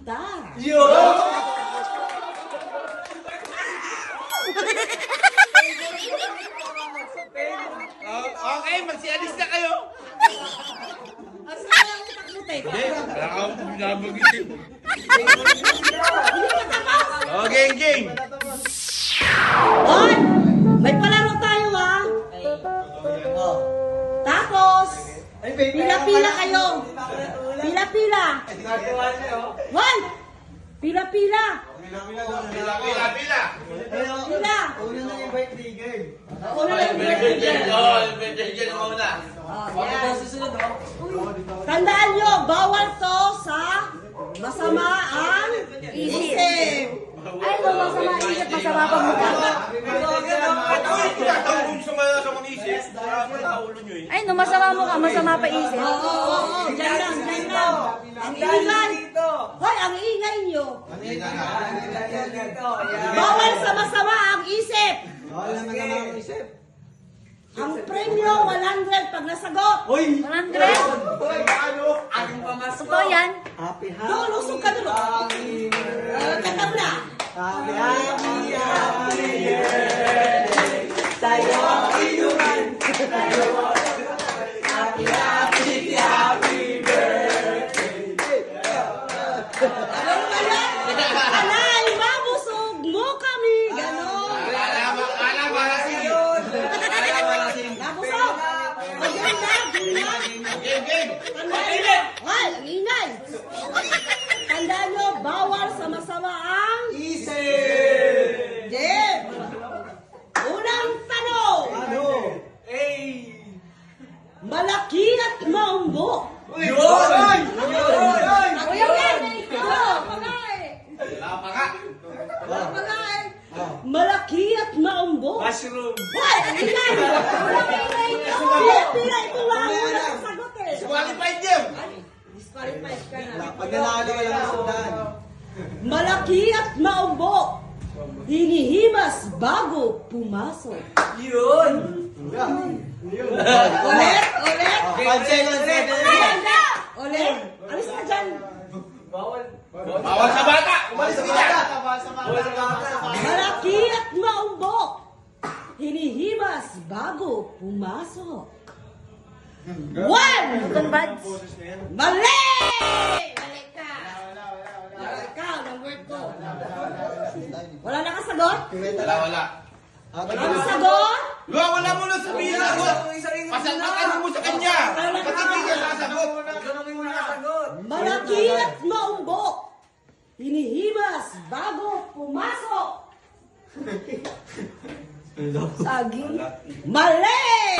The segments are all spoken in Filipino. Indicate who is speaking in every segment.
Speaker 1: kita.
Speaker 2: Okay, magsialis na kayo.
Speaker 1: Asa na ang utak mo, Tek?
Speaker 2: Wala ka binabagitin. Oh, game.
Speaker 1: On! May palaro tayo, ha? Oh. Tapos, pila-pila kayo. Pila-pila. One! Pila-pila.
Speaker 2: Pila.
Speaker 1: Pila.
Speaker 3: Una na yung birthday girl.
Speaker 1: Una lang.
Speaker 2: Yung birthday girl ang una.
Speaker 1: Oh, yan. Tandaan nyo, bawal to sa masama ang isip.
Speaker 4: Ay, no, masama isip, masama pagmukha.
Speaker 2: Tatawag sa mga isip. Ulo nyo eh.
Speaker 4: Ay, no, masama mukha, masama pa isip.
Speaker 1: Oo, dyan lang. Ang ingay. Hoy, ang ingay nyo. Bawal sa masama ang isip.
Speaker 3: Wala na naman ang isip.
Speaker 1: Ang premyo, 100 pag nasagot.
Speaker 4: 100? Ito yan.
Speaker 3: Happy
Speaker 1: Doon, lusog ka doon. Kataw na.
Speaker 3: Happy birthday sa'yo ang inuman. Happy birthday.
Speaker 1: Ano ba yan? Alay, mabusog mo kami. Ganon. Nabusog. O, yan na.
Speaker 2: Game.
Speaker 1: Hoy, ang ingay. Tandaan nyo, bawal sa masama ang
Speaker 3: Isip!
Speaker 1: Jim. Unang tanong.
Speaker 3: Ano?
Speaker 1: Malaki at maumbo.
Speaker 3: Yun!
Speaker 1: Kuya yan. Pagay.
Speaker 2: Wala pa nga.
Speaker 1: Pagay. Malaki at maumbo.
Speaker 3: Mushroom!
Speaker 1: Hoy, ang ingay. Walang ingay nyo. Pila ito lang. Walang sagot eh.
Speaker 2: Qualified game.
Speaker 1: Disqualified ka na.
Speaker 3: Pag nanalo ka lang sa sundan.
Speaker 1: Malaki at maumbo. Hinihimas bago pumasok.
Speaker 3: Yun!
Speaker 1: Ulit.
Speaker 3: Cancel.
Speaker 1: Ulit. Alis ka dyan.
Speaker 2: Bawal sa bata. Umalis ka dyan.
Speaker 1: Malaki at maumbo. Hinihimas bago pumasok. One!
Speaker 4: Convads.
Speaker 1: Mali! Mali ka. Ikaw, number 2. Wala na kasagot?
Speaker 2: Wala.
Speaker 1: Wala na sagot?
Speaker 2: Wala mo na sabihin na sagot. Pasagot mo sa kanya. Kasi hindi ka sasagot.
Speaker 1: Malaki at maumbo. Hinihimas bago pumasok.
Speaker 4: Saging.
Speaker 1: Mali!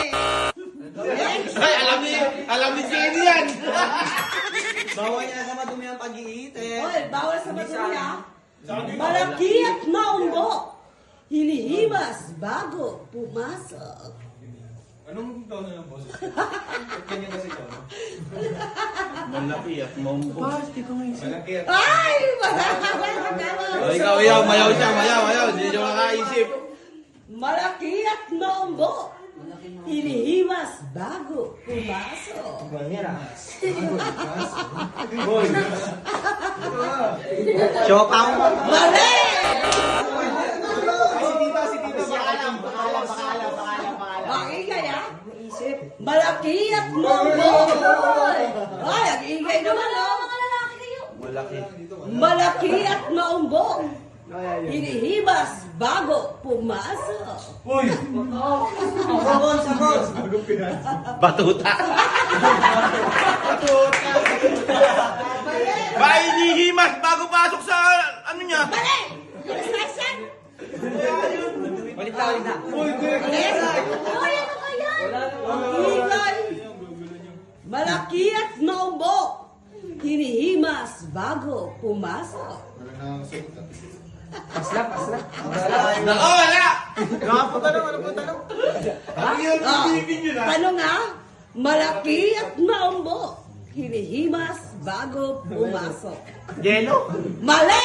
Speaker 2: Ay, alam ni Jenny yan.
Speaker 3: Bawal niya sa madumi ang pag-iitip.
Speaker 1: Hoy, bawal sa madumi ah. Malaki at maumbo. Hinihimas bago pumasok.
Speaker 5: Anong taon na yung boses? Ganyan kasi ito.
Speaker 2: Malaki at maumbo.
Speaker 5: Malaki at
Speaker 1: Ay!
Speaker 2: Ikaw, mayaw siya. Hindi siya makaisip.
Speaker 1: Malaki at maumbo. Hinihimas bago pumasok.
Speaker 3: Chopang!
Speaker 1: Mali! Ang ingay ah. Malaki at maumbo. Ay, ang ingay naman oh. Malaki at maumbo. Hinihimas bago pumasok.
Speaker 3: Sabon!
Speaker 2: Batuta. Ba, hinihimas bago pasok sa ano niya?
Speaker 1: Mali! Instruction!
Speaker 3: Ulit na.
Speaker 1: Mali! Ay, ano kaya? Ingay! Malaki at maumbo. Hinihimas bago pumasok.
Speaker 2: Nako, wala!
Speaker 1: Tanong nga, malaki at maumbo. Hinihimas bago pumasok.
Speaker 2: Yelo?
Speaker 1: Mali!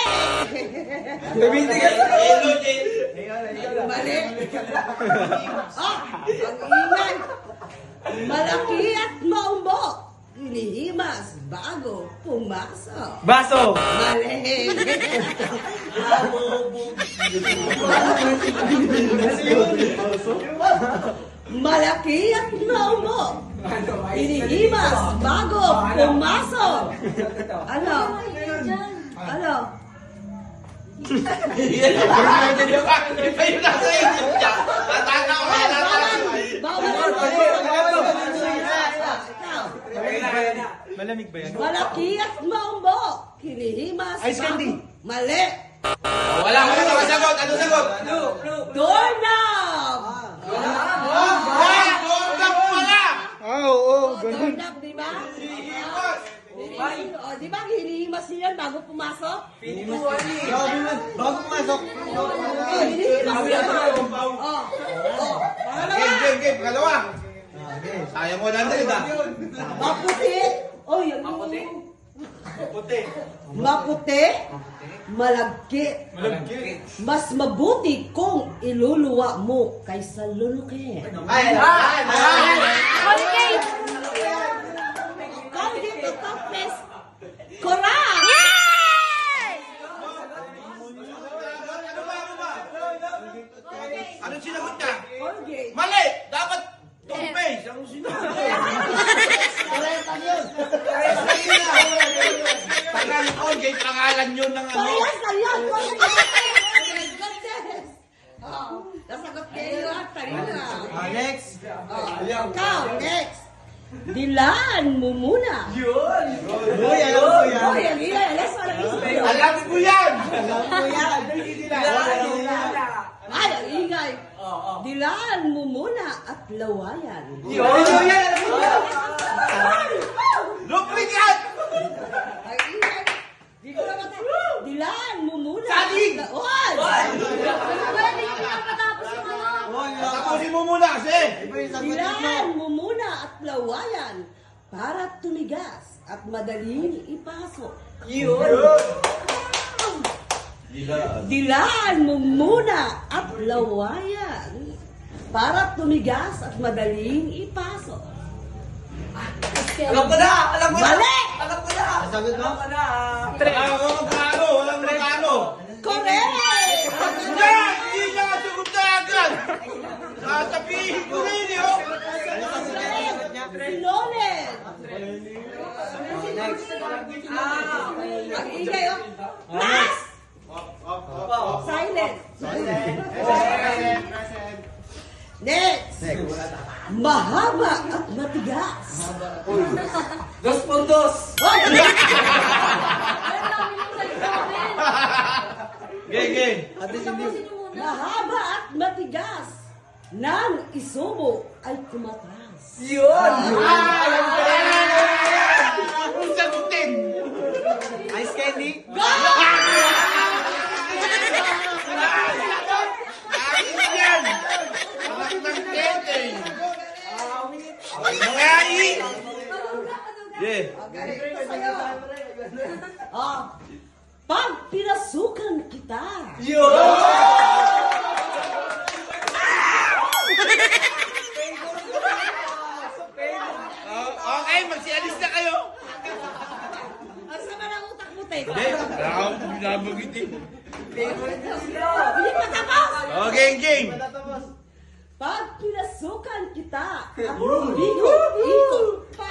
Speaker 2: Yelo,
Speaker 1: Mali! Ah, ang ingay! Malaki at maumbo. hinihimas bago pumasok.
Speaker 3: Baso!
Speaker 1: Mali. Malaki at naumo. Hinihimas bago pumasok. Ano? Ano?
Speaker 2: Iba yung nasa isip niya. Natatawa ka, natatawa.
Speaker 3: Malamig ba yan?
Speaker 1: Malaki at maumbo. Hinihimas
Speaker 3: Ice candy.
Speaker 1: Mali.
Speaker 2: Wala ka na makasagot. Ano sagot?
Speaker 1: Doorknob.
Speaker 2: Doorknob pala!
Speaker 1: Doorknob, di ba? O, di ba hinihimas yan bago pumasok?
Speaker 3: Bago pumasok.
Speaker 1: Hinihimas yan.
Speaker 2: Game. Pangalawa. Sayang mo lang din,
Speaker 1: Maputi. Oy, maputi. Malagkit. Mas mabuti kung iluluwa mo kaysa lulukin.
Speaker 4: Holiday!
Speaker 1: Colgate to toothpaste. Correct!
Speaker 4: Yay!
Speaker 2: Anong sinagot niya?
Speaker 1: Colgate.
Speaker 2: Mali! Dapat toothpaste. Ang sinagot. Tagal Colgate, pangalan yun ng ano.
Speaker 1: Parehas lang yan. Colgate. Oh my goodness. Nasagot kayo at tarina.
Speaker 3: Next!
Speaker 1: Ikaw, next. Dilaan mo muna.
Speaker 3: Uy, alam ko yan.
Speaker 1: Oy, ang ilay. Alas, walang isip yun.
Speaker 2: Alam ko yan!
Speaker 1: Ay, ang ingay. Dilaan mo muna at lawayan.
Speaker 2: Lupit yan!
Speaker 1: Ang ingay. Di ko na mata. Dilaan mo muna.
Speaker 2: Saging!
Speaker 1: Oy!
Speaker 4: Pwede yung pinapatapos yung ano.
Speaker 2: Tapusin mo muna kasi!
Speaker 1: Dilaan mo muna at lawayan para tumigas at madaling ipasok. Dilaan mo muna at lawayan para tumigas at madaling ipasok.
Speaker 3: Alam ko na! Alam ko na!
Speaker 1: Mali!
Speaker 3: Alam ko na! Sagot mo?
Speaker 2: Walang magkano!
Speaker 1: Correct!
Speaker 2: Hindi niya kasagot na agad! Sasabihin ko rin yun!
Speaker 1: Sinolen! Ang ingay, oh. Last! Silent. Next. Mahaba at matigas.
Speaker 3: Dos puntos!
Speaker 1: Hoy!
Speaker 4: Alam namin yung sa examen.
Speaker 2: Game!
Speaker 4: Tapusin niyo muna.
Speaker 1: Mahaba at matigas. Nang isubo ay kumatras.
Speaker 2: Kung sagutin!
Speaker 3: Ice candy?
Speaker 2: Ayos yan! Anak ng tete! Mga i! Yeah!
Speaker 1: Oh, pag pinasukan kita.
Speaker 2: Okay, magsialis na kayo!
Speaker 1: Ang sama ng utak mo, Tek.
Speaker 2: Binabagitin.
Speaker 1: Hindi pa tapos.
Speaker 2: Okay, game!
Speaker 1: Pag pinasukan kita, at ikot-ikot pa.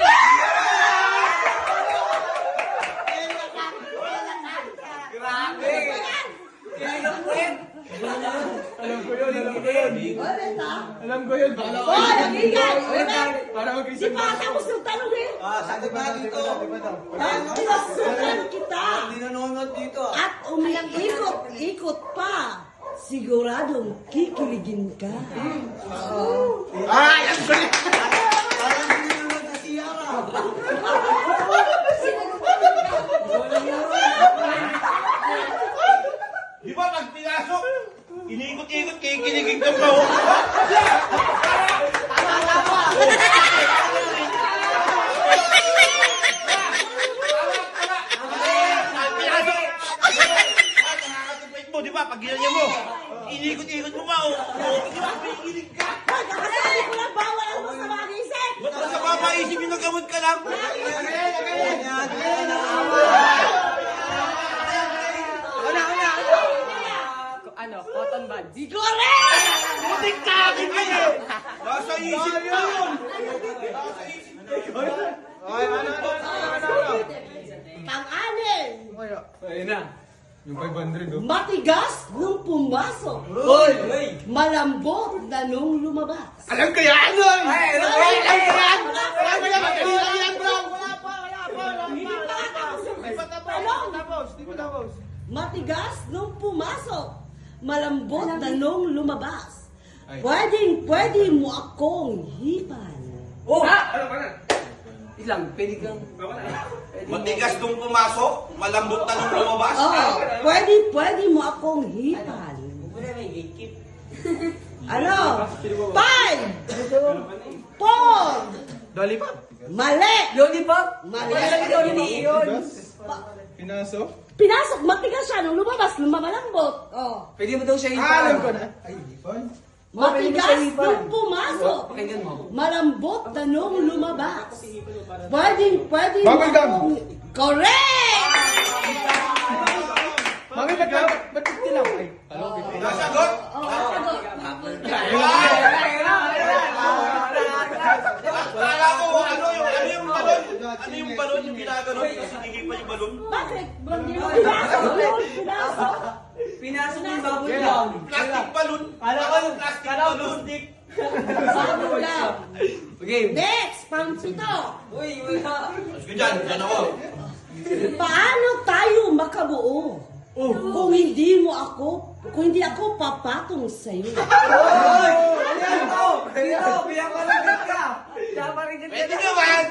Speaker 1: Ulit, ha?
Speaker 5: Alam ko yun.
Speaker 1: Hoy, ang ingay! Ulit!
Speaker 5: Para
Speaker 1: Di
Speaker 5: mag-isip
Speaker 1: pa tapos yung tanong eh.
Speaker 3: Sagot na dito.
Speaker 1: Pag pinasukan kita,
Speaker 3: Hindi nanonood dito.
Speaker 1: at umiikot-ikot pa, siguradong kikiligin ka.
Speaker 2: Ay, ang galing!
Speaker 3: Parang hindi nanonood sa Sierra.
Speaker 2: Di ba pag pinasok, iniikot-ikot, kikiligin ka pa, oh. Pag pinasok, nakakatupit mo, di ba? Pag ginanya mo, iniikot-ikot mo pa, oh. Di ba? Kikilig ka.
Speaker 1: Hoy, kakasabi ko lang bawal ang masamang isip.
Speaker 2: Ba't ka sa papaisip yung nagamot ka lang?
Speaker 4: Ano, cotton buds.
Speaker 1: Correct!
Speaker 2: Butik ka akin ka eh! Nasa isip ko yun! Nasa isip ko yun!
Speaker 1: Pang-anin,
Speaker 5: Ayun na. Yung 500 oh.
Speaker 1: matigas nung pumasok.
Speaker 3: Hoy!
Speaker 1: Malambot na nung lumabas.
Speaker 2: Alam ko yan! Alam ko yan! Alam ko yan! Kanina yan, bro!
Speaker 1: Matigas nung pumasok. Malambot na nung lumabas.
Speaker 5: Ay.
Speaker 1: Pwede mo akong hipan.
Speaker 3: Oh! Ilang, pwede kang...
Speaker 2: Matigas nung pumasok, malambot na nung lumabas.
Speaker 1: Oh, pwede mo akong hipan. Ano? 5, 4,
Speaker 3: Lollipop?
Speaker 1: mali!
Speaker 3: Lollipop?
Speaker 1: Mali.
Speaker 5: Pinaso?
Speaker 1: Pinasok, matigas siya nung lumabas, lumamalambot. Oh.
Speaker 3: Pwede mo daw siya hipan.
Speaker 5: Alam ko na. Ay, ipon.
Speaker 1: Matigas nung pumasok.
Speaker 3: Pakinggan mo.
Speaker 1: Malambot na nung lumabas. Pwede
Speaker 5: Bubble gum.
Speaker 1: akong... Correct!
Speaker 5: Mami, ba't tilaw? Ay, hello, Pipi.
Speaker 2: Nasagot? Kala ko, ano yung balon yung ginaganon? Kasi hindi pa yung balon.
Speaker 1: Bakit? Pinasok yun, pinasok.
Speaker 3: Pinasok mo yung bubble gum.
Speaker 2: Plastic balon. Plastic balon.
Speaker 1: Bubble gum.
Speaker 3: Okay.
Speaker 1: Next, pang-pito.
Speaker 3: Uy, wala.
Speaker 2: Sige dyan, dyan ako.
Speaker 1: Paano tayo makabuo? Kung hindi ako papatong sa'yo.
Speaker 3: Ayan ko! Pinaparinig ka! Pinaparinig ka!
Speaker 2: Pwede naman!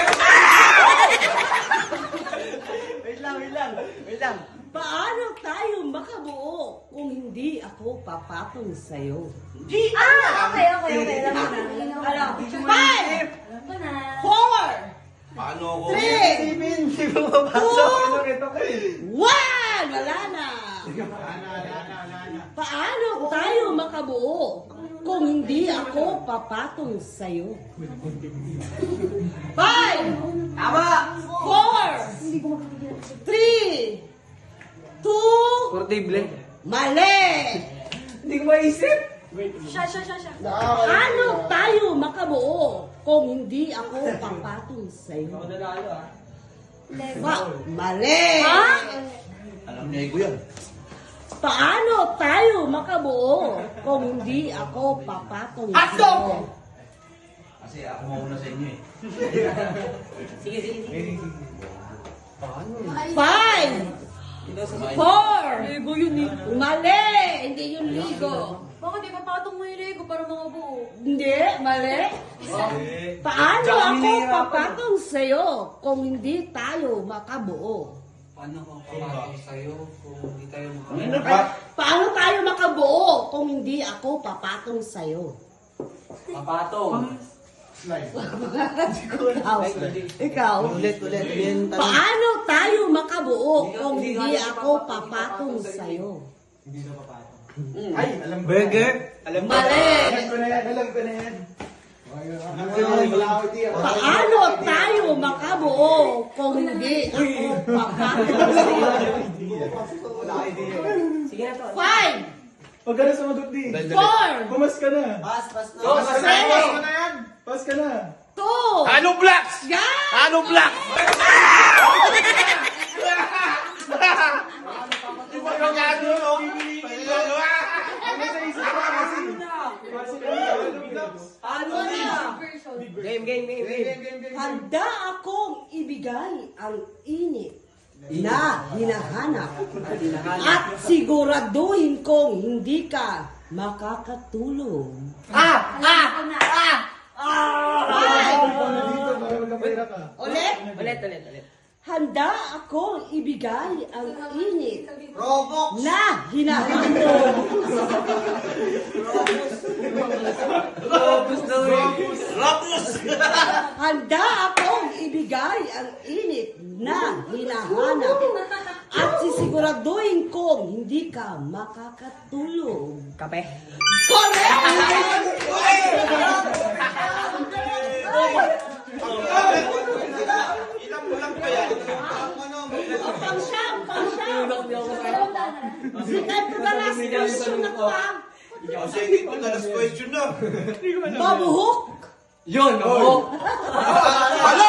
Speaker 3: Wait lang.
Speaker 1: Paano tayo makabuo kung hindi ako papatong sa'yo?
Speaker 2: Di!
Speaker 4: Okay. Alam mo na.
Speaker 1: Ano? 5,
Speaker 4: Alam ko na.
Speaker 1: 4,
Speaker 2: Paano ako?
Speaker 1: 3,
Speaker 3: Hindi mo mapasok.
Speaker 1: 1! Wala na! Paano tayo makabuo kung hindi ako papatong sa'yo? 5,
Speaker 3: Tama!
Speaker 1: 4, 3, 2,
Speaker 3: Portable.
Speaker 1: mali!
Speaker 3: Hindi ko maisip.
Speaker 4: Siya.
Speaker 1: Paano tayo makabuo kung hindi ako papatong sa'yo? Mali!
Speaker 4: Ha?
Speaker 2: Alam niya ko yan.
Speaker 1: Paano tayo makabuo kung hindi ako papatong sa'yo?
Speaker 2: Kasi ako mauna sa inyo eh.
Speaker 3: Sige.
Speaker 1: 5, 4,
Speaker 4: Lego yun eh.
Speaker 1: mali! Hindi yung ligo.
Speaker 4: Bakit di papatong mo yung Lego para mga buo?
Speaker 1: Hindi, mali. Paano ako papatong sa'yo kung hindi tayo makabuo?
Speaker 3: Paano ko papatong sa'yo kung hindi tayo
Speaker 1: Paano tayo makabuo kung hindi ako papatong sa'yo?
Speaker 3: Papatong.
Speaker 1: Ikaw?
Speaker 3: Ulit.
Speaker 1: Paano tayo makabuo kung hindi ako papatong sa'yo?
Speaker 5: Ay, alam ko.
Speaker 3: Burger?
Speaker 1: Mali!
Speaker 5: Alam ko na yan.
Speaker 1: Paano tayo makabuo kung hindi ako papatong sa'yo?
Speaker 3: Sige na to.
Speaker 1: 5,
Speaker 5: Huwag ka na sumagot di.
Speaker 1: 4,
Speaker 5: Pumas ka na.
Speaker 3: Pas na.
Speaker 5: Pas ka na.
Speaker 1: 3,
Speaker 5: Pas ka na.
Speaker 1: 2,
Speaker 2: Ano blacks?
Speaker 1: yan!
Speaker 2: Ano blacks? Di ba yung gano'n?
Speaker 5: Ano sa isip ko kasi?
Speaker 3: Ano na? Game.
Speaker 1: Handa akong ibigay ang init na hinahanap at siguraduhin kong hindi ka makakatulong.
Speaker 5: Dito, para magkapira ka.
Speaker 1: Ulit,
Speaker 3: Ulit.
Speaker 1: handa akong ibigay ang init na hinahanap.
Speaker 3: Robus daw eh.
Speaker 2: Rapus!
Speaker 1: Handa akong ibigay ang init na hinahanap at Siguraduhin kong hindi ka makakatulog.
Speaker 3: Kape.
Speaker 1: Correct!
Speaker 2: Ilang bulang pa yan?
Speaker 1: Pang siyam. Second to the last question na to ha.
Speaker 2: O sige, ito na last question na.
Speaker 1: Mabuhok.
Speaker 3: Yun, mabuk.
Speaker 2: Hala!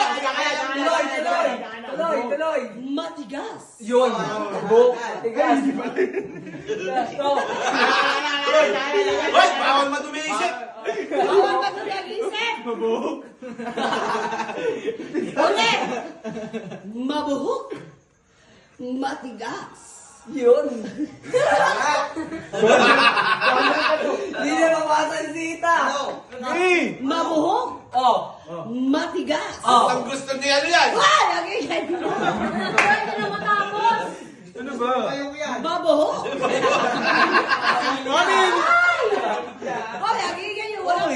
Speaker 3: Tuloy.
Speaker 1: Matigas.
Speaker 3: Yun, mabuk. Tigas.
Speaker 2: Hoy, bawal madumi isip.
Speaker 1: Bawal ka nag-isip.
Speaker 5: Mabuhok.
Speaker 1: Ulit. Mabuhok. Matigas.
Speaker 3: Yun. Hindi na mapasa si Tita.
Speaker 1: Mabuhok.
Speaker 3: Oh.
Speaker 1: Matigas.
Speaker 3: Oh.
Speaker 2: Ang gusto niya ano yan?
Speaker 1: Ay, lagi yan.
Speaker 4: Pwede na matapos.
Speaker 5: Ano ba?
Speaker 1: Mabuhok. Ay, lagi yan yung wala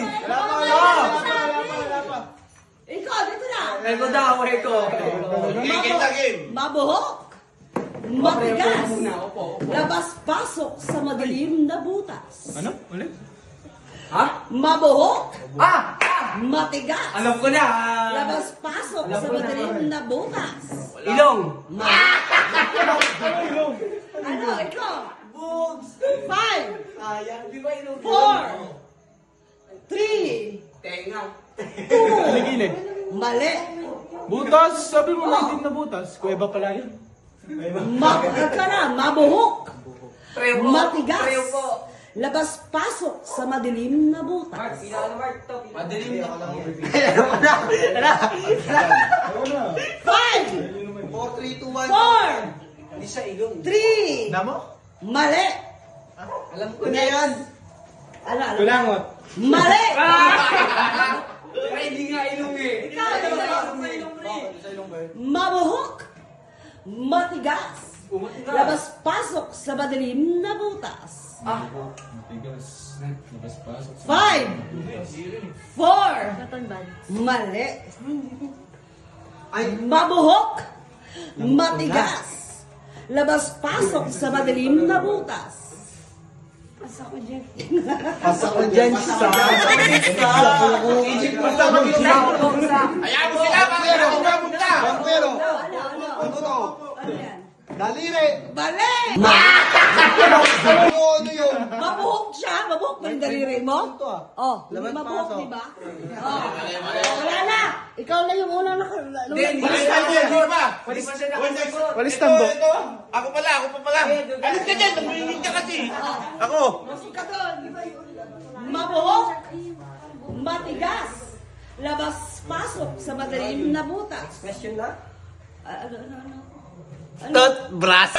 Speaker 1: pa. Ikaw, dito na.
Speaker 3: Eko daw, eko.
Speaker 2: Game na game.
Speaker 1: Mabuhok. Matigas.
Speaker 3: Opo.
Speaker 1: Labas-pasok sa madilim na butas.
Speaker 5: Ano? Ulit?
Speaker 3: Ha?
Speaker 1: Mabuhok.
Speaker 3: Ah!
Speaker 1: Matigas.
Speaker 3: Alam ko na.
Speaker 1: Labas-pasok sa madilim na butas.
Speaker 3: Ilong.
Speaker 1: Ano, ikaw?
Speaker 3: Boobs.
Speaker 1: 5,
Speaker 3: Ayan, di ba ilong?
Speaker 1: 4, 3,
Speaker 3: Tenga.
Speaker 1: 2,
Speaker 5: Gilid.
Speaker 1: mali.
Speaker 5: Butas! Sabi mo na hindi na butas. Kuweba pala yun.
Speaker 1: Mabuhok.
Speaker 3: Preo po.
Speaker 1: Matigas.
Speaker 3: Preo po.
Speaker 1: Labas-pasok sa madilim na
Speaker 3: Mark,
Speaker 1: butas.
Speaker 3: pinaka Mark to. Madilim na.
Speaker 1: 5,
Speaker 3: 4, 3, 2,
Speaker 1: 4,
Speaker 3: 1. Hindi siya ilong.
Speaker 1: 3,
Speaker 5: Namo?
Speaker 1: mali.
Speaker 3: Alam ko na yan.
Speaker 1: Ano?
Speaker 5: Kulangot.
Speaker 1: Mali.
Speaker 3: Ay, hindi nga ilong eh.
Speaker 1: Ikaw, mabuhok. Matigas. Labas-pasok sa madilim na butas.
Speaker 5: Matigas. Labas-pasok.
Speaker 1: 5, 4,
Speaker 4: Katonban.
Speaker 1: mali. Mabuhok. Matigas. Labas-pasok sa madilim na butas.
Speaker 4: Asa ko, Jeff.
Speaker 3: Pasa ko dyan sa... Egypt pa sa mag-isa.
Speaker 2: Hayaan mo sila, bakit ako mamunta?
Speaker 3: Pero,
Speaker 1: Ano to? Ano yan?
Speaker 3: daliri.
Speaker 1: Mali!
Speaker 3: Ano yun?
Speaker 1: Mabuhok siya. Mabuhok ba yung daliri mo? Oh, hindi
Speaker 3: Labas
Speaker 1: mabuhok,
Speaker 3: pasok.
Speaker 1: di ba? Oh. Wala na. Ikaw na yung unang
Speaker 3: Hindi,
Speaker 2: Walis na mo, di ba?
Speaker 3: Pwede pa siya nakasagot.
Speaker 5: Walis
Speaker 2: Ito,
Speaker 5: tambo.
Speaker 2: ito. Ako pala. Alis ka dyan, nagmihingin ka kasi. Ako.
Speaker 1: Masuk ka doon. Mabuhok. Matigas. Labas-pasok sa madilim na butas.
Speaker 3: Question na?
Speaker 1: Ano?
Speaker 3: Toothbrush.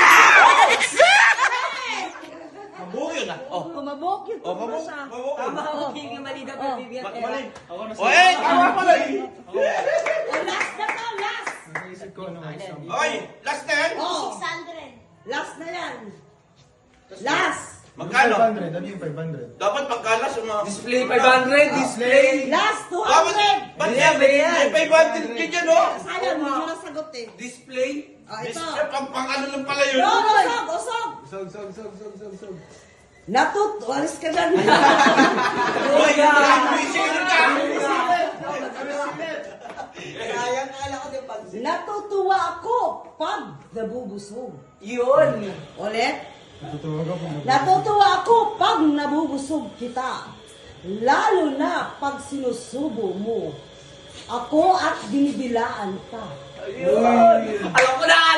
Speaker 2: Mabuo yun ah. Oh.
Speaker 1: Mabuhok yun.
Speaker 2: Oh, mabuo.
Speaker 1: Siya.
Speaker 2: Mabuo.
Speaker 3: Tama ako, king mali daw pero bibigyan ka.
Speaker 5: Ako na
Speaker 2: O eh, tama pala eh.
Speaker 1: Oh, last na to, last.
Speaker 5: Naisip ko ano walis tambo.
Speaker 2: Okay, last na yan.
Speaker 1: Oh,
Speaker 4: 600.
Speaker 1: last na yan. Last.
Speaker 2: Magkano?
Speaker 5: 500. Ano yung 500?
Speaker 2: Dapat magkalas yung mga...
Speaker 3: Display 500, display.
Speaker 1: Last
Speaker 2: Dapat,
Speaker 1: 200.
Speaker 2: ba't
Speaker 3: Bigyan, bigyan.
Speaker 2: may 500 ka dyan, oh?
Speaker 1: Sayang, hindi mo nasagot eh.
Speaker 3: Display.
Speaker 1: Oh, ito.
Speaker 2: Pang ano lang pala yun.
Speaker 1: No, usog.
Speaker 5: Sog.
Speaker 1: Walis ka dyan.
Speaker 2: Hoy, sino ka?
Speaker 3: Sayang ka lang ko din pag...
Speaker 1: Natutuwa ako pag nabubusog.
Speaker 3: Yun.
Speaker 1: Ulit.
Speaker 5: Tutuwag ako.
Speaker 1: Natutuwa ako pag nabubusog kita. Lalo na pag sinusubo mo ako at dinidilaan ka.
Speaker 3: Alam ko na.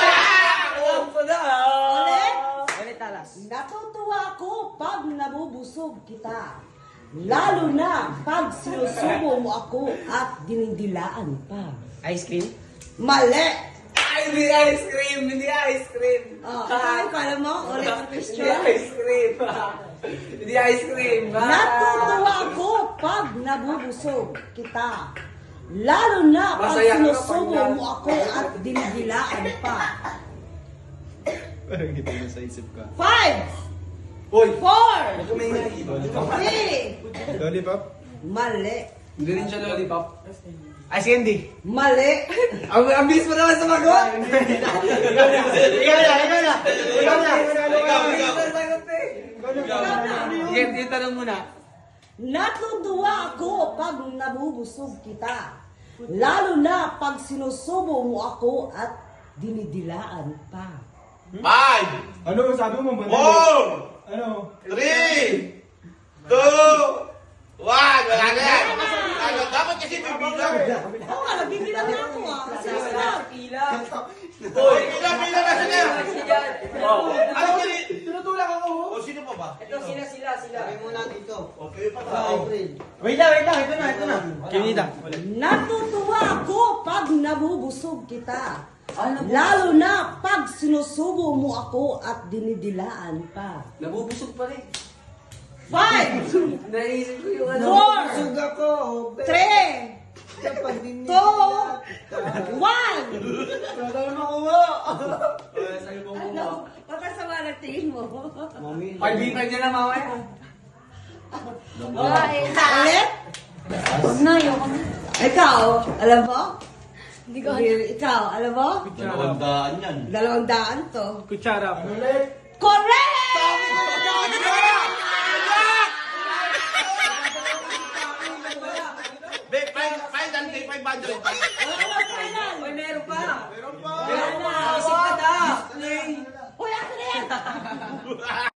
Speaker 1: Ulit.
Speaker 3: Ulit talas.
Speaker 1: Natutuwa ako pag nabubusog kita. Lalo na pag sinusubo mo ako at dinidilaan pa.
Speaker 3: Ice cream?
Speaker 1: Mali.
Speaker 3: Ay, hindi ice cream. Hindi ice cream.
Speaker 1: Oh, ikaw, kala mo? Ulit ang
Speaker 3: Hindi
Speaker 1: question.
Speaker 3: ice cream. Hindi ice cream.
Speaker 1: Natutuwa ako pag nabubusog kita. Lalo na pag
Speaker 3: Masaya ka
Speaker 1: sinusubo
Speaker 3: pag-
Speaker 1: mo ako at dinidilaan pa.
Speaker 5: Parang kita na sa isip ka.
Speaker 1: 5,
Speaker 3: Uy.
Speaker 1: 4,
Speaker 3: Kumingay.
Speaker 1: 3,
Speaker 5: Lollipop?
Speaker 1: mali.
Speaker 3: Hindi rin siya lollipop. Ice candy.
Speaker 1: Mali.
Speaker 3: Ang bilis mo naman sa magot.
Speaker 5: Ikaw na.
Speaker 3: Sige, yung tanong muna.
Speaker 1: Natutuwa ako pag nabubusog kita. Lalo na pag sinusubo mo ako at dinidilaan pa.
Speaker 2: 5,
Speaker 5: Ano sabi mo?
Speaker 2: 4,
Speaker 5: Ano?
Speaker 2: 3, 2, 1. Wala na yan. Ano, dapat kasi bibilang.
Speaker 1: Oo nga, nagbibilang na ako ah. Sinasabi.
Speaker 2: Hoy, pila na sila. Ano kini?
Speaker 5: Tinutulak ako.
Speaker 2: O, sino pa ba?
Speaker 3: Sabi muna dito.
Speaker 2: Okay pa ba?
Speaker 3: Wait lang. Ito na. Kinita.
Speaker 1: Natutuwa ako pag nabubusog kita. Lalo na pag sinusubo mo ako at dinidilaan pa.
Speaker 3: Nabubusog pa rin.
Speaker 1: 5,
Speaker 3: Naisip ko yung
Speaker 1: 4,
Speaker 3: Busog ako.
Speaker 1: 3, 2, 1. Ano? Pakasama na tingin mo.
Speaker 3: Pag-bipan niya na mamaya.
Speaker 1: Ulit?
Speaker 4: Huwag na, ayoko na.
Speaker 1: Ikaw, alam mo?
Speaker 4: Hindi ko alam.
Speaker 1: Ikaw, alam mo?
Speaker 2: 200 yan.
Speaker 1: 200 to.
Speaker 5: Kutsara.
Speaker 1: Correct!
Speaker 2: Be, 500.
Speaker 1: Wala na final.
Speaker 3: Meron pa.